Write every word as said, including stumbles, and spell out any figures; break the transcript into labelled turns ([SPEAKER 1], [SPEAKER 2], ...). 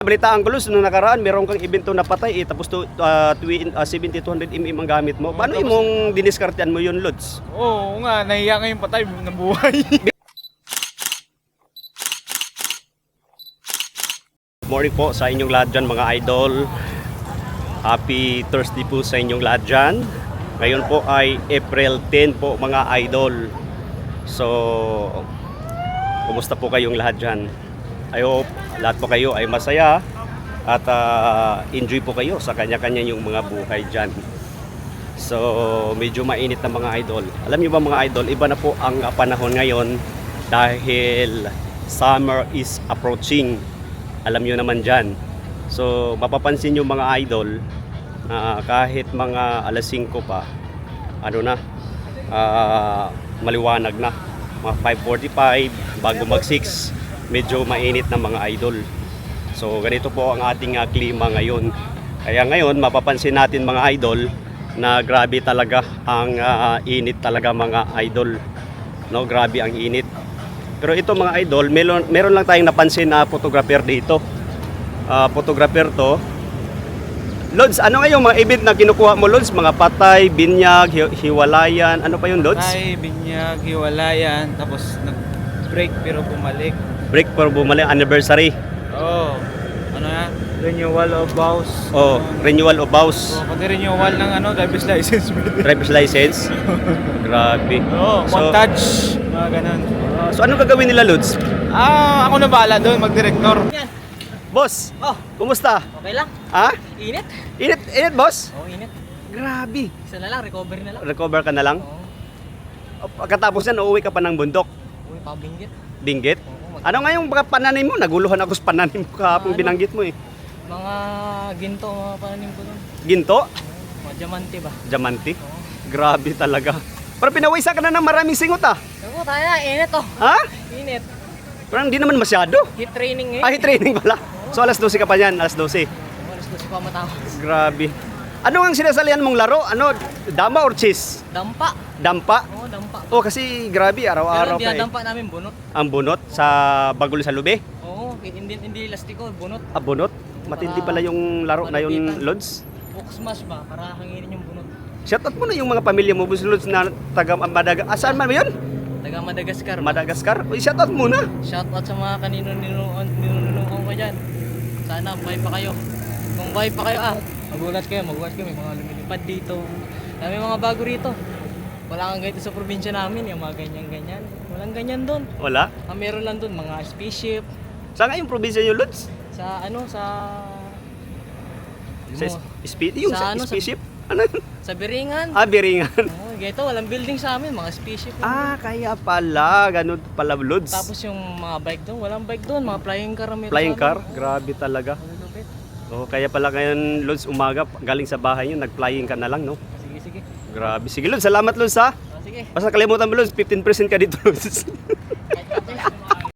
[SPEAKER 1] Balitaan ko, Luz, nung nakaraan, meron kang evento na patay eh, tapos to, uh, seventy to one hundred millimeter ang gamit mo. Paano
[SPEAKER 2] tapos,
[SPEAKER 1] mong diniskartean mo yun, Luz?
[SPEAKER 2] Oo nga, nahiya nga yung patay ng buhay.
[SPEAKER 1] Morning po sa inyong lahat dyan, mga idol. Happy Thursday po sa inyong lahat dyan. Ngayon po ay April ten po, mga idol. So, kumusta po kayong lahat dyan? I hope lahat po kayo ay masaya at uh, enjoy po kayo sa kanya-kanya yung mga buhay dyan. So, medyo mainit na mga idol. Alam niyo ba mga idol, iba na po ang panahon ngayon dahil summer is approaching. Alam niyo naman dyan. So, mapapansin nyo mga idol, uh, kahit mga alas singko pa, ano na, uh, maliwanag na. Mga five forty-five, bago mag six, medyo mainit na mga idol. So ganito po ang ating uh, klima ngayon. Kaya ngayon mapapansin natin mga idol na grabe talaga ang uh, init talaga mga idol. No, grabe ang init. Pero ito mga idol, meron, meron lang tayong napansin na photographer dito. Uh, photographer to. Lods, ano nga yung mga event na kinukuha mo, Lods? Mga patay, binyag, hi hiwalayan, ano pa yung Lods?
[SPEAKER 2] Patay, binyag, hiwalayan, tapos nag-break pero bumalik.
[SPEAKER 1] Break for bumalik, anniversary.
[SPEAKER 2] Oo. Oh, ano yan? Renewal of vows.
[SPEAKER 1] Oh, renewal of vows.
[SPEAKER 2] Oh, pati renewal ng ano, driver's license.
[SPEAKER 1] Driver's license. Grabe.
[SPEAKER 2] Oo, oh, montage. Mga ganun.
[SPEAKER 1] Uh, so ano gagawin nila, Lods?
[SPEAKER 2] Ah, ako na bahala doon, mag-director.
[SPEAKER 3] Yan.
[SPEAKER 1] Boss,
[SPEAKER 3] Oh,
[SPEAKER 1] kumusta?
[SPEAKER 3] okay lang.
[SPEAKER 1] Ha?
[SPEAKER 3] Init.
[SPEAKER 1] Init, init, boss?
[SPEAKER 3] Oh, init.
[SPEAKER 1] Grabe.
[SPEAKER 3] Isa na lang, recovery na lang.
[SPEAKER 1] Recover ka na lang?
[SPEAKER 3] Oo.
[SPEAKER 1] Pagkatapos yan, uuwi ka pa ng bundok.
[SPEAKER 3] Uy, pabinggit.
[SPEAKER 1] Binggit?
[SPEAKER 3] Oo, mag-
[SPEAKER 1] Ano nga yung mga pananim mo? Naguluhan ako sa pananim mo kahapon,
[SPEAKER 3] Ano?
[SPEAKER 1] binanggit mo eh.
[SPEAKER 3] Mga ginto, mga pananim ko doon.
[SPEAKER 1] Ginto?
[SPEAKER 3] Mga diamante ba?
[SPEAKER 1] Diamante?
[SPEAKER 3] Oo.
[SPEAKER 1] Grabe talaga. Pero pinawisa ka na ng maraming singot ah.
[SPEAKER 3] Ako, tayo na, init oh.
[SPEAKER 1] Ha?
[SPEAKER 3] Init.
[SPEAKER 1] Parang hindi naman masyado.
[SPEAKER 3] Heat training eh.
[SPEAKER 1] Ay, training pala. So alas dose ka pa yan, alas dose.
[SPEAKER 3] Oh, alas dos pa matapos.
[SPEAKER 1] Grabe. Ano ang sinasalihan mong laro? Ano? Dama or chess?
[SPEAKER 3] Dampa.
[SPEAKER 1] Dampa?
[SPEAKER 3] Oo, dampa.
[SPEAKER 1] Oh, kasi grabe,
[SPEAKER 3] Pero
[SPEAKER 1] araw-araw ka eh.
[SPEAKER 3] dinadampa namin bunot.
[SPEAKER 1] Ang bunot sa Bagul sa Lube?
[SPEAKER 3] Oo, hindi, hindi lastiko, bunot.
[SPEAKER 1] Ah, bunot? Matindi pala yung laro na yun,
[SPEAKER 3] Malapitan.
[SPEAKER 1] Lods.
[SPEAKER 3] Hook smash ba? Para hanginin yung bunot.
[SPEAKER 1] Shoutout mo na yung mga pamilya mo, Boss Lods, na taga Madagascar. Ah, saan man ba yun?
[SPEAKER 3] Taga Madagascar. ba?
[SPEAKER 1] Madagascar? Uy, shoutout muna.
[SPEAKER 3] Shout out sa mga kanino ninunuan ninunuan ko dyan. Sana buhay pa kayo. Kung buhay pa kayo ah, magulat kayo, magulat kayo, may mga lumilipad dito. May mga bago rito. Wala kang ganito sa probinsya namin, yung mga ganyan-ganyan. Walang ganyan doon.
[SPEAKER 1] Wala?
[SPEAKER 3] Ang meron lang doon, mga spaceship.
[SPEAKER 1] Saan nga yung probinsya nyo, Lods?
[SPEAKER 3] Sa ano, sa...
[SPEAKER 1] Sa
[SPEAKER 3] Mo-
[SPEAKER 1] spe- yung
[SPEAKER 3] sa
[SPEAKER 1] sa,
[SPEAKER 3] ano, sa-
[SPEAKER 1] spaceship? Ano?
[SPEAKER 3] sa Biringan.
[SPEAKER 1] Ah, Biringan.
[SPEAKER 3] Oh, ganito, walang building sa amin, mga spaceship. lang
[SPEAKER 1] Ah, kaya pala. Ganun pala,
[SPEAKER 3] doon.
[SPEAKER 1] Lods.
[SPEAKER 3] Tapos yung mga bike doon, walang bike doon, mga flying car ang meron
[SPEAKER 1] Flying
[SPEAKER 3] sa
[SPEAKER 1] car?
[SPEAKER 3] amin.
[SPEAKER 1] Grabe talaga.
[SPEAKER 3] Malulupit.
[SPEAKER 1] Oh, kaya pala ngayon, Lods, umaga, galing sa bahay nyo, nag-flying ka na lang, no?
[SPEAKER 3] Sige, sige.
[SPEAKER 1] Grabe. Sige, Lods, salamat, Lods, ha?
[SPEAKER 3] Ah, sige.
[SPEAKER 1] Basta kalimutan mo, Lods, fifteen percent ka dito, Lods.
[SPEAKER 3] Kahit kape.